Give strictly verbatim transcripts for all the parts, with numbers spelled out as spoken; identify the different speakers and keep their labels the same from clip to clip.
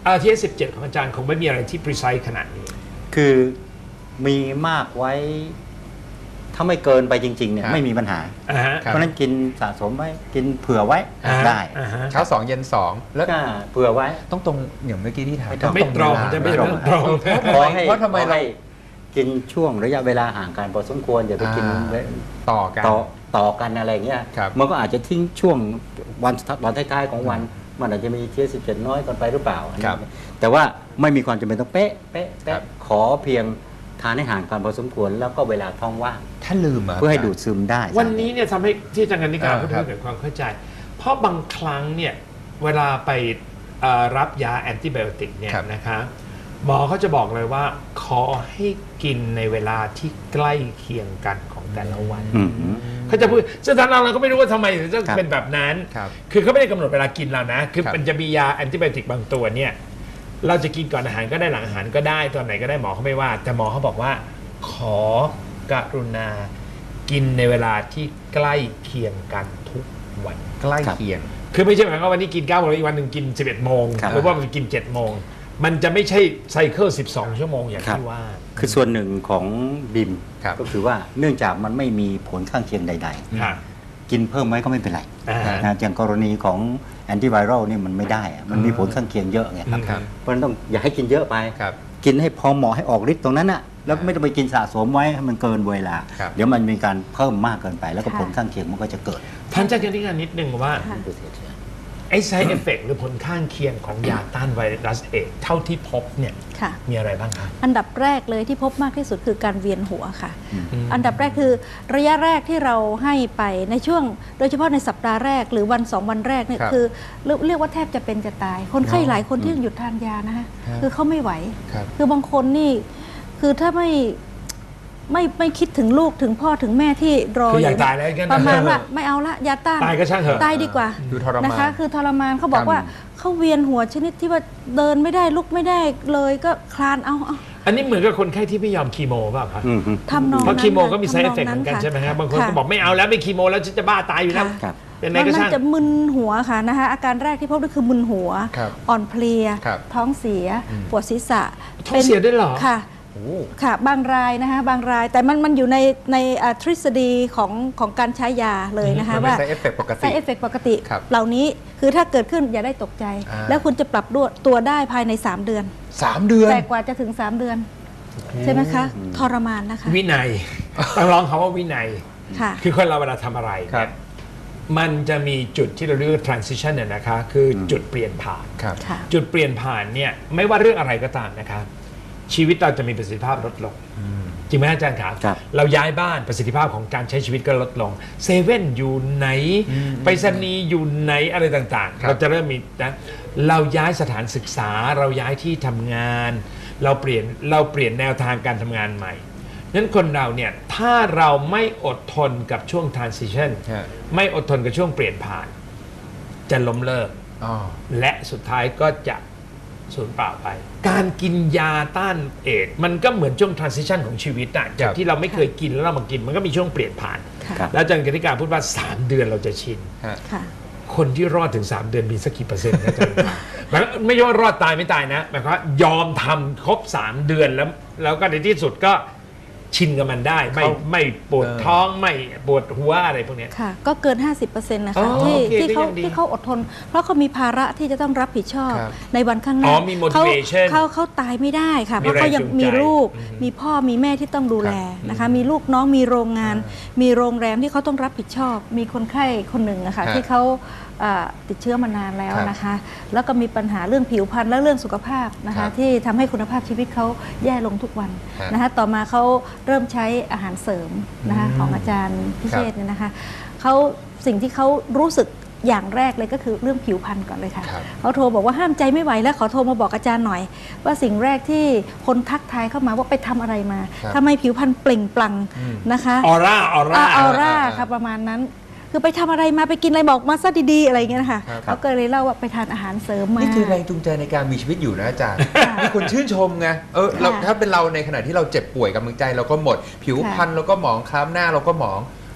Speaker 1: ที เอส สิบเจ็ด ของอาจารย์คงไม่มีอะไรที่ precise ขนาดนี้
Speaker 2: คือมีมากไว้ถ้าไม่เกินไปจริงๆเนี่ยไม่มีปัญหาเพราะนั้นกินสะสมไว้กินเผื่อไว้ได้
Speaker 3: เช้าสองเย็นสอง
Speaker 2: แล้วเผื่อไว้
Speaker 3: ต้องตรงอย่างเมื่อกี้ที่ถาม
Speaker 1: ไม่ตรงจะไม่ตรง
Speaker 2: เพราะทำไมเรากินช่วงระยะเวลาห่างกันพอสมควรอย่าไปกิน
Speaker 3: ต่อกัน
Speaker 2: ต่อกันอะไรเงี้ยมันก็อาจจะทิ้งช่วงวันวันท้ายๆของวันมันอาจจะมีเทียสิบเจ็ดน้อยกันไปหรือเปล่าแต่ว่าไม่มีความจำเป็นต้องเป๊ะเป๊ะเป๊ะขอเพียงทานให้ห่างกันพอสมควรแล้วก็เวลาท้องว่าง
Speaker 3: ถ้าลืม
Speaker 2: เพื่อให้ดูดซึมได้
Speaker 1: วันนี้เนี่ยทำให้ที่อาจารย์กนิการพูดถึงเกิดความเข้าใจเพราะบางครั้งเนี่ยเวลาไปรับยาแอนติไบโอติกเนี่ยนะคะหมอเขาจะบอกเลยว่าขอให้กินในเวลาที่ใกล้เคียงกันของแต่ละวันเขาจะพูดซึ่งทางเราก็ไม่รู้ว่าทำไมถึงจะเป็นแบบนั้นคือเขาไม่ได้กำหนดเวลากินเรานะคือมันจะมียาแอนติไบโอติกบางตัวเนี่ยเราจะกินก่อนอาหารก็ได้หลังอาหารก็ได้ตอนไหนก็ได้หมอเขาไม่ว่าแต่หมอเขาบอกว่าขอกรุณากินในเวลาที่ใกล้เคียงกันทุกวัน
Speaker 3: ใกล้เคียง
Speaker 1: คือไม่ใช่หมายความว่าวันนี้กินเก้าโมงอีกวันหนึ่งกินสิบเอ็ดโมงหรือว่ามันกินเจ็ดโมงมันจะไม่ใช่ไซเคิลสิบสองชั่วโมงอย่างที่ว่า
Speaker 2: คือส่วนหนึ่งของบิมก็คือว่าเนื่องจากมันไม่มีผลข้างเคียงใดๆกินเพิ่มไว้ก็ไม่เป็นไรนะอย่างกรณีของแอนติไวรัลนี่มันไม่ได้มันมีผลข้างเคียงเยอะไงครับเพราะฉะนั้นต้องอย่าให้กินเยอะไปกินให้พอเหมาะให้ออกฤทธิ์ตรงนั้นน่ะแล้วไม่ต้องไปกินสะสมไว้ให้มันเกินเวลาเดี๋ยวมันมีการเพิ่มมากเกินไปแล้วก็ผลข้างเคียงมันก็จะเกิด
Speaker 1: ท่านอาจารย์นิดนิดนึงว่าไอ้ side effect หรือผลข้างเคียงของยาต้านไวรัสเอดส์เท่าที่พบเนี่ยมีอะไรบ้างคะ
Speaker 4: อันดับแรกเลยที่พบมากที่สุดคือการเวียนหัวค่ะอันดับแรกคือระยะแรกที่เราให้ไปในช่วงโดยเฉพาะในสัปดาห์แรกหรือวันสองวันแรกเนี่ยคือเรียกว่าแทบจะเป็นจะตายคนไข้หลายคนที่หยุดทานยานะคะคือเขาไม่ไหวคือบางคนนี่คือถ้าไม่ไม่ไม่คิดถึงลูกถึงพ่อถึงแม่ที่รออยู่ประมาณว่าไม่เอาละยาต้าน
Speaker 1: ตายก็ช่างเถอะ
Speaker 4: ตายดีกว่านะคะคือทรมานเขาบอกว่าเขาเวียนหัวชนิดที่ว่าเดินไม่ได้ลุกไม่ได้เลยก็คลานเอาเอา
Speaker 1: อันนี้เหมือนกับคนไข้ที่ไม่ยอมคีโมป่ะครับ
Speaker 4: ทำนองนั้น
Speaker 1: เพราะคีโมก็มี side effect เหมือนกันใช่ไหมครับบางคนก็บอกไม่เอาแล้วไม่คีโมแล้วฉันจะบ้าตายอยู่แล้ว
Speaker 4: เป็นไงก็ช่างมันจะมึนหัวค่ะนะคะอาการแรกที่พบก็คือมึนหัวอ่อนเพลียท้องเสียปวดศีรษะ
Speaker 1: ท้องเสียได้หรอ
Speaker 4: ค่ะค่ะบางรายนะคะบางรายแต่มันมันอยู่ในในทฤษฎีของของการใช้ยาเลยนะคะว่า
Speaker 3: side effect ปกติ
Speaker 4: side effect ปกติเหล่านี้คือถ้าเกิดขึ้นอย่าได้ตกใจแล้วคุณจะปรับตัวได้ภายในสามเดือน
Speaker 3: สามเดือน
Speaker 4: แต่กว่าจะถึงสามเดือนใช่ไหมคะทรมานนะคะ
Speaker 1: วินัยต้องร้องคำว่าวินัยคือคนเราเวลาทำอะไรเนี่ยมันจะมีจุดที่เราเรียกว่า transition เนี่ยนะคะคือจุดเปลี่ยนผ่านจุดเปลี่ยนผ่านเนี่ยไม่ว่าเรื่องอะไรก็ตามนะคะชีวิตเราจะมีประสิทธิภาพลดลงจริงไหมอาจารย์ครับเราย้ายบ้านประสิทธิภาพของการใช้ชีวิตก็ลดลงเซเว่นอยู่ไหนไปรษณีย์อยู่ไหนอะไรต่างๆเราจะเริ่มมีนะเราย้ายสถานศึกษาเราย้ายที่ทำงานเราเปลี่ยนเราเปลี่ยนแนวทางการทำงานใหม่นั้นคนเราเนี่ยถ้าเราไม่อดทนกับช่วง transition ไม่อดทนกับช่วงเปลี่ยนผ่านจะล้มเลิกและสุดท้ายก็จะสูญเปล่าไปการกินยาต้านเอดส์มันก็เหมือนช่วง transition ของชีวิตอะจากที่เราไม่เคยกินแล้วเรามากินมันก็มีช่วงเปลี่ยนผ่านแล้วอาจารย์กนิการพูดว่าสามเดือนเราจะชินคนที่รอดถึงสามเดือนมีสักกี่เปอร์เซ็นต์นะอาจารย์ไม่ใช่ว่ารอดตายไม่ตายนะหมายความว่ายอมทำครบสามเดือนแล้วแล้วก็ในที่สุดก็ชินกับมันได้ไม่ไม่ปวดท้องไม่ปวดหัวอะไรพวกนี้
Speaker 4: ค่ะก็เกิน ห้าสิบเปอร์เซ็นต์ นะคะที่ที่เขาที่เขาอดทนเพราะเขามีภาระที่จะต้องรับผิดชอบในวันข้างหน้าเขาเขาเขาตายไม่ได้ค่ะเพราะเขายังมีลูกมีพ่อมีแม่ที่ต้องดูแลนะคะมีลูกน้องมีโรงงานมีโรงแรมที่เขาต้องรับผิดชอบมีคนไข้คนหนึ่งนะคะที่เขาติดเชื้อมานานแล้วนะคะแล้วก็มีปัญหาเรื่องผิวพรรณและเรื่องสุขภาพนะคะที่ทำให้คุณภาพชีวิตเขาแย่ลงทุกวันนะคะต่อมาเขาเริ่มใช้อาหารเสริมนะคะของอาจารย์พิเชษเนี่ยนะคะเขาสิ่งที่เขารู้สึกอย่างแรกเลยก็คือเรื่องผิวพรรณก่อนเลยค่ะเขาโทรบอกว่าห้ามใจไม่ไหวแล้วขอโทรมาบอกอาจารย์หน่อยว่าสิ่งแรกที่คนทักทายเข้ามาว่าไปทำอะไรมาทำไมผิวพรรณเปล่งปลั่งนะคะ
Speaker 1: ออร่าออร่า
Speaker 4: ออร่าค่ะประมาณนั้นคือไปทำอะไรมาไปกินอะไรบอกมาซะดีๆอะไรเงี้ยนะคะเขาก็เลยเล่าว่าไปทานอาหารเสริมมา
Speaker 3: นี่คือแรงจูงใจในการมีชีวิตอยู่นะอาจารย์มีคนชื่นชมไงเออเราถ้าเป็นเราในขณะที่เราเจ็บป่วยกำลังใจเราก็หมดผิวพรรณเราก็หมองคล้ำหน้าเราก็หมอง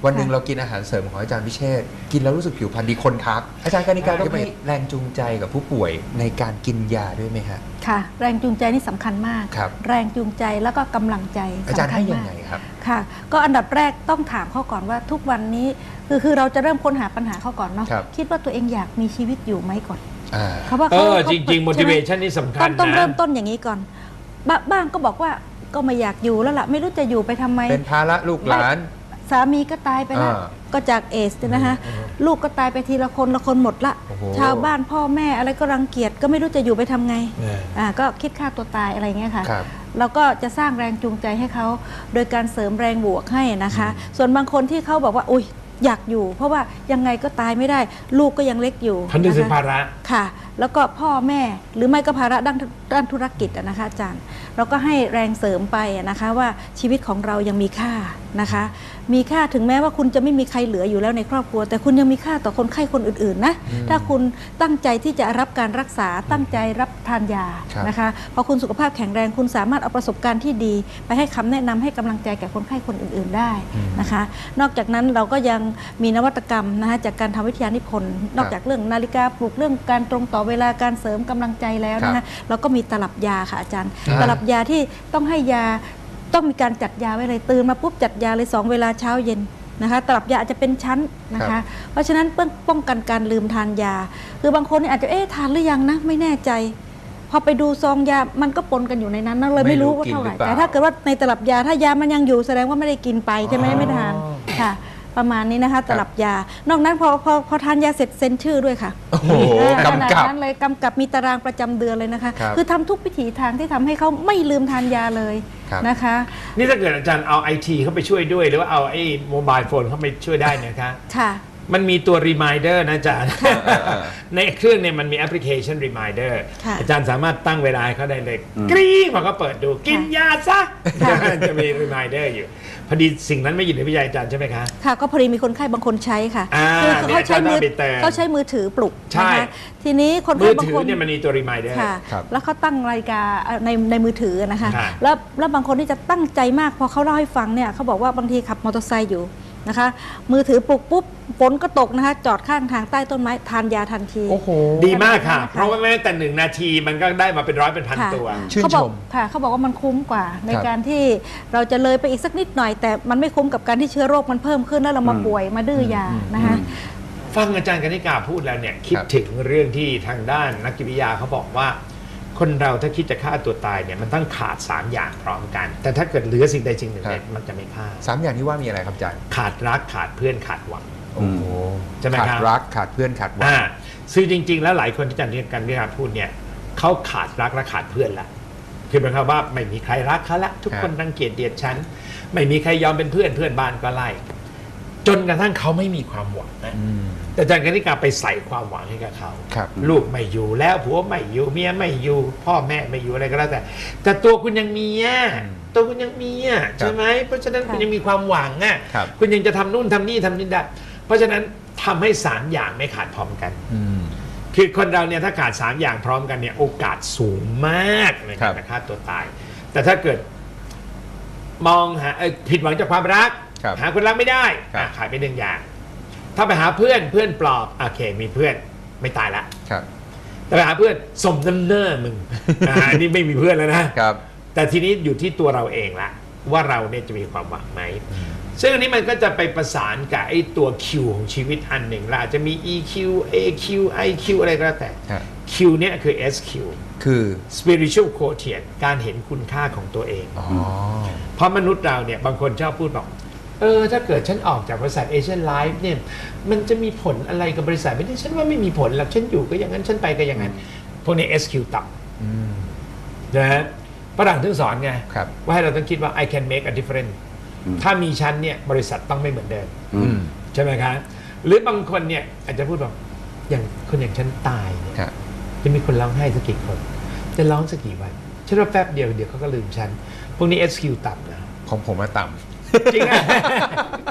Speaker 3: วันหนึ่งเรากินอาหารเสริมของอาจารย์พิเชษฐ์กินแล้วรู้สึกผิวพรรณดีคนทักอาจารย์กนิการต้องให้แรงจูงใจกับผู้ป่วยในการกินยาด้วยไหมฮะ
Speaker 4: ค่ะแรงจูงใจนี่สำคัญมากแรงจูงใจแล้วก็กำลังใจ
Speaker 3: อาจารย์ให้ยังไงครับ
Speaker 4: ค่ะก็อันดับแรกต้องถามเขาก่อนว่าทุกวันนี้คือคือเราจะเริ่มค้นหาปัญหาเขาก่อนเนาะคิดว่าตัวเองอยากมีชีวิตอยู่ไหมก่อน
Speaker 1: เขาว่าเขาจริงๆ motivation นี่สำคัญนะ
Speaker 4: ต้องเริ่มต้นอย่างนี้ก่อนบ้างก็บอกว่าก็ไม่อยากอยู่แล้วล่ะไม่รู้จะอยู่ไปทำไม
Speaker 3: เป็นภาระลูกหลาน
Speaker 4: สามีก็ตายไปแล้วก็จากเอสนะคะลูกก็ตายไปทีละคนละคนหมดละชาวบ้านพ่อแม่อะไรก็รังเกียจก็ไม่รู้จะอยู่ไปทำไงอ่าก็คิดฆ่าตัวตายอะไรเงี้ยค่ะเราก็จะสร้างแรงจูงใจให้เขาโดยการเสริมแรงบวกให้นะคะส่วนบางคนที่เขาบอกว่าอุ้ยอยากอยู่เพราะว่ายังไงก็ตายไม่ได้ลูกก็ยังเล็กอยู่
Speaker 1: ท่านดึงภาระ
Speaker 4: ค่ะแล้วก็พ่อแม่หรือไม่ก็ภาระด้านด้านธุรกิจนะคะอาจารย์เราก็ให้แรงเสริมไปนะคะว่าชีวิตของเรายังมีค่านะคะมีค่าถึงแม้ว่าคุณจะไม่มีใครเหลืออยู่แล้วในครอบครัวแต่คุณยังมีค่าต่อคนไข้คนอื่นๆนะถ้าคุณตั้งใจที่จะรับการรักษาตั้งใจรับทานยานะคะพอคุณสุขภาพแข็งแรงคุณสามารถเอาประสบการณ์ที่ดีไปให้คำแนะนำให้กำลังใจแก่คนไข้คนอื่นๆได้นะคะนอกจากนั้นเราก็ยังมีนวัตกรรมนะคะจากการทำวิทยานิพนธ์นอกจากเรื่องนาฬิกาปลุกเรื่องการตรงต่อเวลาการเสริมกำลังใจแล้วนะคะเราก็มีตลับยาค่ะอาจารย์ตลับยาที่ต้องให้ยาต้องมีการจัดยาไว้เลยตื่นมาปุ๊บจัดยาเลยสองเวลาเช้าเย็นนะคะตลับยาอาจจะเป็นชั้นนะคะเพราะฉะนั้นเพื่อป้องกันการลืมทานยาคือบางคนอาจจะเอ๊ะทานหรือยังนะไม่แน่ใจพอไปดูซองยามันก็ปนกันอยู่ในนั้นนะเลยไม่รู้ว่าเท่าไหร่แต่ถ้าเกิดว่าในตลับยาถ้ายามันยังอยู่แสดงว่าไม่ได้กินไปใช่ไหมไม่ทานค่ะประมาณนี้นะคะตลับยานอกนั้นพอพอพอทานยาเสร็จเซ็นชื่อด้วยค่ะ
Speaker 3: โอ้โหกำกับ
Speaker 4: นั้นเลยกำกับมีตารางประจำเดือนเลยนะคะคือทำทุกวิถีทางที่ทำให้เขาไม่ลืมทานยาเลยนะคะ
Speaker 1: นี่ถ้าเกิดอาจารย์เอาไอทีเข้าไปช่วยด้วยหรือว่าเอาไอ้โมบายโฟนเข้าไปช่วยได้นะคะ
Speaker 4: ค่ะ
Speaker 1: มันมีตัว reminder นะอาจารย์ในเครื่องเนี่ยมันมีแอปพลิเคชัน reminder อาจารย์สามารถตั้งเวลาเขาได้เลยกรี๊งพอเขาเปิดดูกินยาซะจะมี reminder อยู่พอดีสิ่งนั้นไม่อยู่ในวิทยาอาจารย์ใช่ไหมคะ
Speaker 4: ค่ะก็พอดีมีคนไข้บางคนใช้ค่ะคือเขาใช้มือเขาใช้มือถือปลุกนะคะทีนี้คนไข้บางคน
Speaker 1: เนี่ยมันมีตัว reminder
Speaker 4: แล้วเขาตั้งนาฬิกาในในมือถือนะคะแล้วแล้วบางคนที่จะตั้งใจมากพอเขาเล่าให้ฟังเนี่ยเขาบอกว่าบางทีขับมอเตอร์ไซค์อยู่นะคะมือถือปลุกปุ๊บฝนก็ตกนะคะจอดข้างทางใต้ต้นไม้ทานยาทันที
Speaker 1: โอ้โหดีมากค่ะเพราะว่าแม้แต่หนึ่งนาทีมันก็ได้มาเป็นร้อยเป็นพันตัว
Speaker 3: ชื่นชม
Speaker 4: ค่ะเขาบอกว่ามันคุ้มกว่าในการที่เราจะเลยไปอีกสักนิดหน่อยแต่มันไม่คุ้มกับการที่เชื้อโรคมันเพิ่มขึ้นแล้วเรามาป่วยมาดื้อยานะคะ
Speaker 1: ฟังอาจารย์กนิกาพูดแล้วเนี่ยคิดถึงเรื่องที่ทางด้านนักจิตวิทยาเขาบอกว่าคนเราถ้าคิดจะฆ่าตัวตายเนี่ยมันต้องขาดสามอย่างพร้อมกันแต่ถ้าเกิดเหลือสิ่งใดสิ่งหนึ่งเนี่ยมันจะไม่ฆ่า
Speaker 3: สามอย่างที่ว่ามีอะไรครับอาจารย์
Speaker 1: ขาดรักขาดเพื่อนขาดหวัง
Speaker 3: โอ้โห
Speaker 1: ใช่ไหมครับ
Speaker 3: ขาดรักขาดเพื่อนขาดหวัง
Speaker 1: ซึ่งจริงๆแล้วหลายคนที่อาจารย์กันวิทยาพูดเนี่ยเขาขาดรักและขาดเพื่อนละคือหมายความว่าไม่มีใครรักเขาละทุกคนรังเกียจเดียดฉันไม่มีใครยอมเป็นเพื่อนเพื่อนบ้านก็ไล่จนกระทั่งเขาไม่มีความหวังนะแต่อาจารย์กนิกาไปใส่ความหวังให้กับเขาลูกไม่อยู่แล้วผัวไม่อยู่เมียไม่อยู่พ่อแม่ไม่อยู่อะไรก็แล้วแต่แต่ตัวคุณยังมีอ่ะตัวคุณยังมีอ่ะใช่ไหมเพราะฉะนั้นคุณยังมีความหวังอ่ะคุณยังจะทำนู่นทำนี่ทำนี่ได้เพราะฉะนั้นทำให้สามอย่างไม่ขาดพร้อมกันคือคนเราเนี่ยถ้าขาดสามอย่างพร้อมกันเนี่ยโอกาสสูงมากในการฆ่าตัวตายแต่ถ้าเกิดมองหาผิดหวังจากความรักหาคนรักไม่ได้ขายไปหนึ่งอย่างถ้าไปหาเพื่อนเพื่อนปลอบโอเคมีเพื่อนไม่ตายละแต่ไปหาเพื่อนสมน้ำเน้อมึงอันนี้ไม่มีเพื่อนแล้วนะแต่ทีนี้อยู่ที่ตัวเราเองละว่าเราเนี่ยจะมีความหวังไหมซึ่งอันนี้มันก็จะไปประสานกับไอ้ตัว Q ของชีวิตอันหนึ่งละอาจจะมี อี คิว เอ คิว ไอ คิว อะไรก็แล้วแต่ Q เนี่ยคือ เอส คิว
Speaker 3: คือ
Speaker 1: spiritual quotient การเห็นคุณค่าของตัวเองเพราะมนุษย์เราเนี่ยบางคนชอบพูดบอกเออถ้าเกิดฉันออกจากบริษัทเอเชียนไลฟ์เนี่ยมันจะมีผลอะไรกับบริษัทไม่ได้ฉันว่าไม่มีผลหรอกฉันอยู่ก็อย่างนั้นฉันไปก็อย่างนั้นพวกนี้ เอส คิว ต่ำนะฮะฝรั่งถึงสอนไงว่าให้เราต้องคิดว่า I can make a difference ถ้ามีฉันเนี่ยบริษัทต้องไม่เหมือนเดิมใช่ไหมครับหรือบางคนเนี่ยอาจจะพูดบอกอย่างคนอย่างฉันตายเนี่ยจะมีคนร้องไห้สักกี่คนจะร้องสักกี่วันฉันว่าแป๊บเดียวเดี๋ยวเขาก็ลืมฉันพวกนี้ เอส คิว ต่ำนะ
Speaker 3: ของผมมาต่ำ
Speaker 1: จริงอ่ะ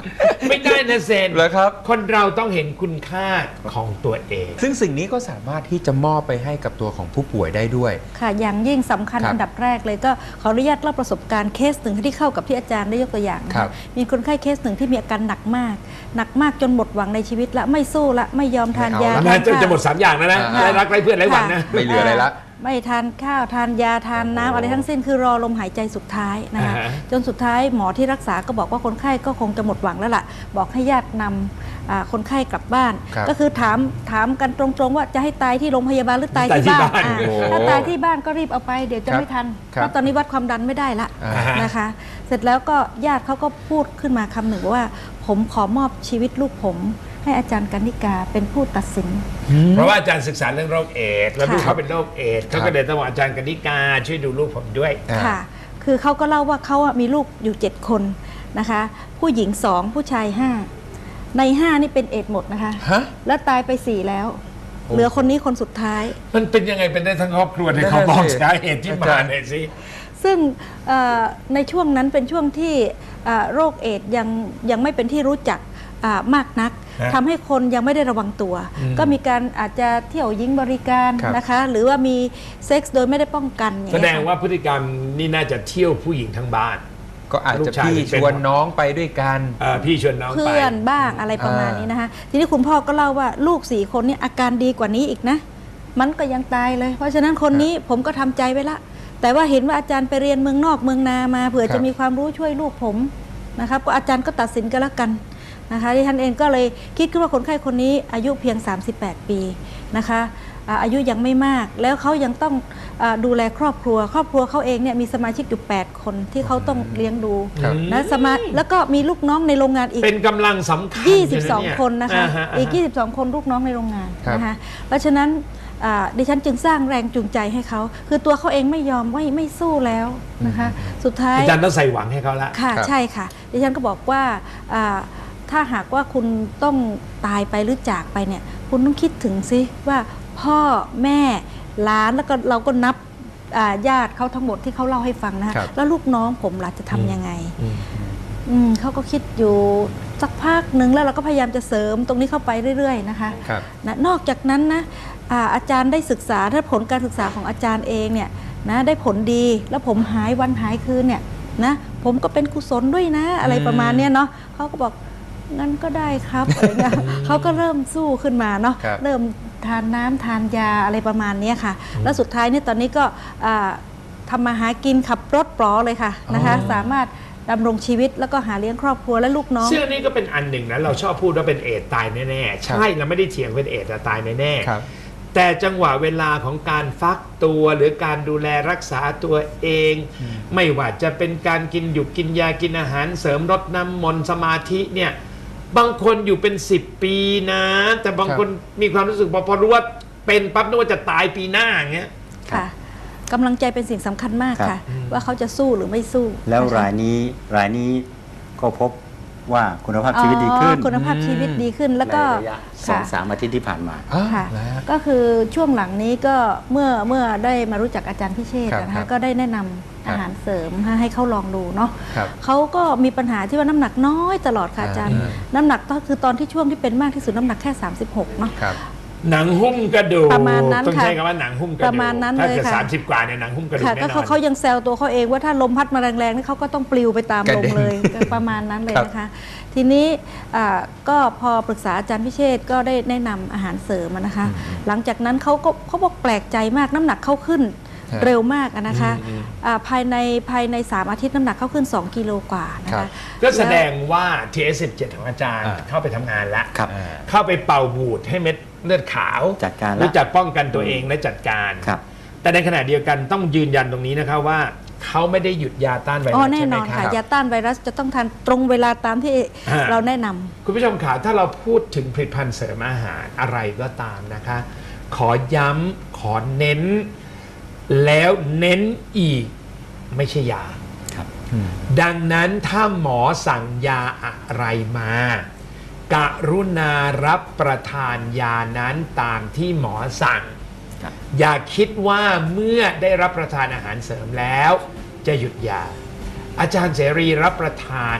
Speaker 1: ไม่ได้นะเซน
Speaker 3: แล้วครับ
Speaker 1: คนเราต้องเห็นคุณค่าของตัวเอง
Speaker 3: ซึ่งสิ่งนี้ก็สามารถที่จะมอบไปให้กับตัวของผู้ป่วยได้ด้วย
Speaker 4: ค่ะอย่างยิ่งสำคัญ
Speaker 3: ครับ
Speaker 4: อันดับแรกเลยก็ขออนุญาตเล่าประสบการณ์เคสหนึ่งที่เข้ากับที่อาจารย์ได้ยกตัวอย่างนะ
Speaker 3: ครั
Speaker 4: คะ
Speaker 3: บ
Speaker 4: มีคนไข้เคสหนึ่งที่มีอาการหนักมาก หนักมากจนหมดหวังในชีวิตละไม่สู้ละไม่ยอมทานยา
Speaker 3: ไม่เอาละ
Speaker 1: นะ
Speaker 4: ทาน
Speaker 1: จะ
Speaker 4: ข้าว
Speaker 1: จะหมดสามอย่างแล้วนะ
Speaker 3: อ่า
Speaker 1: ไร้รักไร้เพื่อนไร้หวังนะ
Speaker 3: ไม่เหลืออะไรละ
Speaker 4: ไม่ทานข้าวทานยาทานน้ำอะไรทั้งสิ้นคือรอลมหายใจสุดท้ายนะคะ
Speaker 1: อ่าฮะ
Speaker 4: จนสุดท้ายหมอที่รักษาก็บอกว่าคนไข้ก็คงจะหมดหวังแล้วล่ะ บอกให้ญาตินำอ่าคนไข้กลับบ้าน
Speaker 3: ครับ
Speaker 4: ก็คือถามถามกันตรงๆว่าจะให้ตายที่โรงพยาบาลหรือตายที่บ้านอ่า
Speaker 3: โอ้โห
Speaker 4: ถ้าตายที่บ้านก็รีบเอาไปเดี๋ยวจะ
Speaker 3: ครับ
Speaker 4: ไม่ทัน
Speaker 3: ครับ
Speaker 4: เพราะตอนนี้วัดความดันไม่ได้ละ
Speaker 3: อ่าฮะ
Speaker 4: นะคะ เสร็จแล้วก็ญาติเขาก็พูดขึ้นมาคำหนึ่งว่า ผมขอมอบชีวิตลูกผม ให้อาจารย์กนิกาเป็นผู้ตัดสิน
Speaker 1: เพราะว่าอาจารย์ศึกษาเรื่องโรคเอดส์แล้ว
Speaker 4: ค่ะ
Speaker 1: ลูกเขาเป็นโรคเอดส์เขาก็เลยต้องบอกอาจารย์กนิกาช่วยดูลูกผมด้วย
Speaker 3: อ่า
Speaker 4: ค่ะ คือเขาก็เล่าว่าเขาอะมีลูกอยู่เจ็ดคนนะคะ ผู้หญิงสองผู้ชายห้าในห้านี่เป็นเอดส์หมดนะคะ
Speaker 3: ฮะ
Speaker 4: แล้วตายไปสี่แล้ว
Speaker 3: โอ้
Speaker 4: เหลือคนนี้คนสุดท้าย
Speaker 1: มันเป็นยังไงเป็นได้ทั้งครอบครัวใน
Speaker 3: นั่น
Speaker 1: เขา
Speaker 3: น่ะ
Speaker 1: บอก
Speaker 3: สิ
Speaker 1: สาเหตุที่
Speaker 3: อา
Speaker 1: มา
Speaker 3: จารย์
Speaker 1: หน่อยสิ
Speaker 4: ซึ่งเอ่อในช่วงนั้นเป็นช่วงที่เอ่อโรคเอดส์ยังยังไม่เป็นที่รู้จักอ่ามากนัก
Speaker 1: ฮะ
Speaker 4: ทำให้คนยังไม่ได้ระวังตัว
Speaker 1: อืม
Speaker 4: ก็มีการอาจจะเที่ยวยิงบริการ
Speaker 3: ครับ
Speaker 4: นะคะ หรือว่ามีเซ็กส์โดยไม่ได้ป้องกันอย่
Speaker 1: แส
Speaker 4: เย
Speaker 1: ดงว่าพฤติกรรมนี่น่าจะเที่ยวผู้หญิงทั้งบ้าน
Speaker 3: ก็อาจ
Speaker 1: ลู
Speaker 3: จะ
Speaker 1: กชาย
Speaker 3: พี่
Speaker 1: เป็น
Speaker 3: ชวนน้องไปด้วยกัน
Speaker 1: เอ่อพี่ชวนน้องไป
Speaker 4: เพื่อนบ้างอะไรประมาณนี้นะคะ ทีนี้คุณพ่อก็เล่าว่าลูกสี่คนนี้อาการดีกว่านี้อีกนะ มันก็ยังตายเลย เพราะฉะนั้นคนนี้ผมก็ทำใจไว้ละ แต่ว่าเห็นว่าอาจารย์ไปเรียนเมืองนอกเมืองนามาเผื่อ
Speaker 3: ครับ
Speaker 4: จะมีความรู้ช่วยลูกผมนะครับก็อาจารย์ก็ตัดสินกันแล้วกันนะคะที่ท่านเองก็เลยคิดขึ้นว่าคนไข้คนนี้อายุเพียง สามสิบแปด ปีนะคะอ่าอายุยังไม่มาก แล้วเขายังต้องอาดูแลครอบครัว ครอบครัวเขาเองเนี่ยมีสมาชิกอยู่ แปด คนที่เขาต้องเลี้ยงดู
Speaker 3: ครับ
Speaker 4: นะสมาแล้วก็มีลูกน้องในโรงงานอีก
Speaker 1: เป็นกำลังสำคัญ
Speaker 4: ยี่สิบสอง
Speaker 1: เลยเย
Speaker 4: คนนะคะ
Speaker 1: าฮาฮ
Speaker 4: อีก ยี่สิบสอง คนลูกน้องในโรงงาน
Speaker 3: ครับ
Speaker 4: นะคะ เพราะฉะนั้นอ่าดิฉันจึงสร้างแรงจูงใจให้เขา คือตัวเขาเองไม่ยอมไม่ไม่สู้แล้วนะคะ สุดท้าย
Speaker 1: อาจารย์ต้องใส่หวังให้เขาละ
Speaker 4: ค่ะ
Speaker 3: ครับ
Speaker 4: ใช่ค่ะ ดิฉันก็บอกว่าอ่าถ้าหากว่าคุณต้องตายไปหรือจากไปเนี่ย คุณต้องคิดถึงซิว่าพ่อแม่หลานแล้วก็เราก็นับอ่าญาติเขาทั้งหมดที่เขาเล่าให้ฟังนะคะ
Speaker 3: ครับ
Speaker 4: แล้วลูกน้องผมล่ะจะทำยังไง
Speaker 1: อืม
Speaker 4: อืมเขาก็คิดอยู่สักพักหนึ่งแล้วเราก็พยายามจะเสริมตรงนี้เข้าไปเรื่อยๆนะคะ
Speaker 3: ครับ
Speaker 4: นะนอกจากนั้นนะอาอาจารย์ได้ศึกษาถ้าผลการศึกษาของอาจารย์เองเนี่ยนะได้ผลดีแล้วผมหายวันหายคืนเนี่ยนะผมก็เป็นกุศลด้วยนะ อะไรประมาณเนี้ยเนาะเขาก็บอกงั้นก็ได้ครับอะไรเงี้ยเขาก็เริ่มสู้ขึ้นมาเนาะ
Speaker 3: ครับ
Speaker 4: เริ่มทานน้ำทานยาอะไรประมาณเนี้ยค่ะ แล้วสุดท้ายเนี่ยตอนนี้ก็อ่าทำมาหากินขับรถปลอเลยค่ะนะคะ
Speaker 3: อ๋อ
Speaker 4: สามารถดำรงชีวิตแล้วก็หาเลี้ยงครอบครัวและลูกน้อง
Speaker 1: ซึ่งอันนี้ก็เป็นอันหนึ่งนะเราชอบพูดว่าเป็นเอดส์ตายแน่ๆ ใช่เราไม่ได้เถียงเป็นเอดส์แต่ตายแน่
Speaker 3: ครับ
Speaker 1: ๆแต่จังหวะเวลาของการฟักตัวหรือการดูแลรักษาตัวเอง ไม่ว่าจะเป็นการกินหยุกกินยากินอาหารเสริมรดน้ำมนต์สมาธิเนี่ยบางคนอยู่เป็นสิบปีนะ แต่บางคนมีความรู้สึกพอพอรู้ว่าเป็นปั๊บนึกว่าจะตายปีหน้าอย่างเงี้ย
Speaker 4: ค่ะกำลังใจเป็นสิ่งสำคัญมาก
Speaker 2: ครับ
Speaker 4: ค่ะ ว่าเขาจะสู้หรือไม่สู้
Speaker 2: แล้ว
Speaker 4: นะคะ
Speaker 2: รายนี้รายนี้ก็พบว่าคุณภาพชีวิตดีขึ้น
Speaker 4: อ๋อคุณภาพชีวิตดีขึ้นแล้วก็
Speaker 2: ในระยะสอง
Speaker 4: ค่ะ
Speaker 2: สามอาทิตย์ที่ผ่านมา
Speaker 3: อ่า
Speaker 4: ค่ะ
Speaker 3: แล้ว
Speaker 4: ก็คือช่วงหลังนี้ก็เมื่อเมื่อได้มารู้จักอาจารย์พิเชษฐ์
Speaker 3: ครับ
Speaker 4: นะ
Speaker 3: ครั
Speaker 4: คะ
Speaker 3: บ
Speaker 4: ก็ได้แนะนำอาหารเสริมให้ให้เขาลองดูเนาะ
Speaker 3: ครับ
Speaker 4: เขาก็มีปัญหาที่ว่าน้ำหนักน้อยตลอดค่ะอาจารย์
Speaker 3: อ่า
Speaker 4: น้ำหนักก็คือตอนที่ช่วงที่เป็นมากที่สุดน้ำหนักแค่สามสิบหกเนาะ
Speaker 3: ครับ
Speaker 1: หนังหุ้มกระดูก
Speaker 4: ประมาณนั้น
Speaker 1: ต้อง
Speaker 4: ค่ะ
Speaker 1: ใช้คำว่าหนังหุ้มกระดูก
Speaker 4: ประมาณนั้น
Speaker 1: ถ้า
Speaker 4: เลย
Speaker 1: เกิด
Speaker 4: ค่ะ
Speaker 1: สามสิบกว่าเนี่ยหนังหุ้มกระดูก
Speaker 4: ค่ะ
Speaker 1: แน่
Speaker 4: ก็
Speaker 1: นอ
Speaker 4: เขา
Speaker 1: น
Speaker 4: เขายังแซวตัวเขาเองว่าถ้าลมพัดมาแรงๆนี่เขาก็ต้องปลิวไปตาม
Speaker 3: กระ
Speaker 4: ลม
Speaker 3: เด็น
Speaker 4: เลยประมาณนั้นเลย
Speaker 3: ครับ
Speaker 4: นะคะ ทีนี้อ่าก็พอปรึกษาอาจารย์พิเชษฐ์ก็ได้แนะนำอาหารเสริมอะนะคะ หลังจากนั้นเขาก็เขาบอกแปลกใจมากน้ำหนักเขาขึ้น
Speaker 3: ฮะ
Speaker 4: เร็วมากอะนะคะ
Speaker 1: อืม
Speaker 4: อ่าภายในภายในสามอาทิตย์น้ำหนักเขาขึ้นสองกิโลกว่านะ
Speaker 3: ครั
Speaker 4: คะ
Speaker 3: บ
Speaker 1: ก็แสดงว่า ที เอส สิบเจ็ด ของอาจารย์
Speaker 3: อ่า
Speaker 1: เข้าไปทำงานแล้ว
Speaker 2: ครับ
Speaker 1: เข้าไปเป่าบูดให้เม็ดเลือดขาว
Speaker 2: จัดการแล้ว
Speaker 1: รู้จักป้องกันตัวเองและจัดการ
Speaker 2: ครับ
Speaker 1: แต่ในขณะเดียวกันต้องยืนยันตรงนี้นะคะว่าเขาไม่ได้หยุดยาต้านไว
Speaker 4: อ๋
Speaker 1: รั
Speaker 4: อ
Speaker 1: ส
Speaker 4: แน่
Speaker 1: ใช่ไห
Speaker 4: น
Speaker 1: ม
Speaker 4: อน
Speaker 1: ค
Speaker 4: ค่ะ
Speaker 1: รับ
Speaker 4: ยาต้านไวรัสจะต้องทานตรงเวลาตามที่
Speaker 1: อ่า
Speaker 4: เราแนะนำ
Speaker 1: คุณผู้ชมขาถ้าเราพูดถึงผลิตภัณฑ์เสริมอาหารอะไรก็ตามนะคะ ขอย้ำขอเน้น แล้วเน้นอีกไม่ใช่ยา
Speaker 2: ครับ
Speaker 1: ดังนั้นถ้าหมอสั่งยาอะไรมา กรุณารับประทานยานั้นตามที่หมอสั่ง
Speaker 2: ครับ
Speaker 1: อย่าคิดว่าเมื่อได้รับประทานอาหารเสริมแล้ว จะหยุดยา อาจารย์เสรีรับประทาน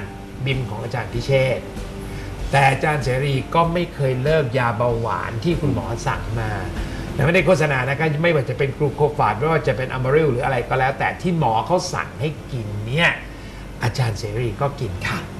Speaker 1: บิมของอาจารย์พิเชษฐ์แต่อาจารย์เสรีก็ไม่เคยเลิกยาเบาหวานที่คุณหมอสั่งมาแต่ไม่ได้โฆษณานะครับไม่ว่าจะเป็นกลูโคฟาดไม่ว่าจะเป็นอะมาริลหรืออะไรก็แล้วแต่ที่หมอเขาสั่งให้กินเนี่ยอาจารย์เสรีก็กินค่ะ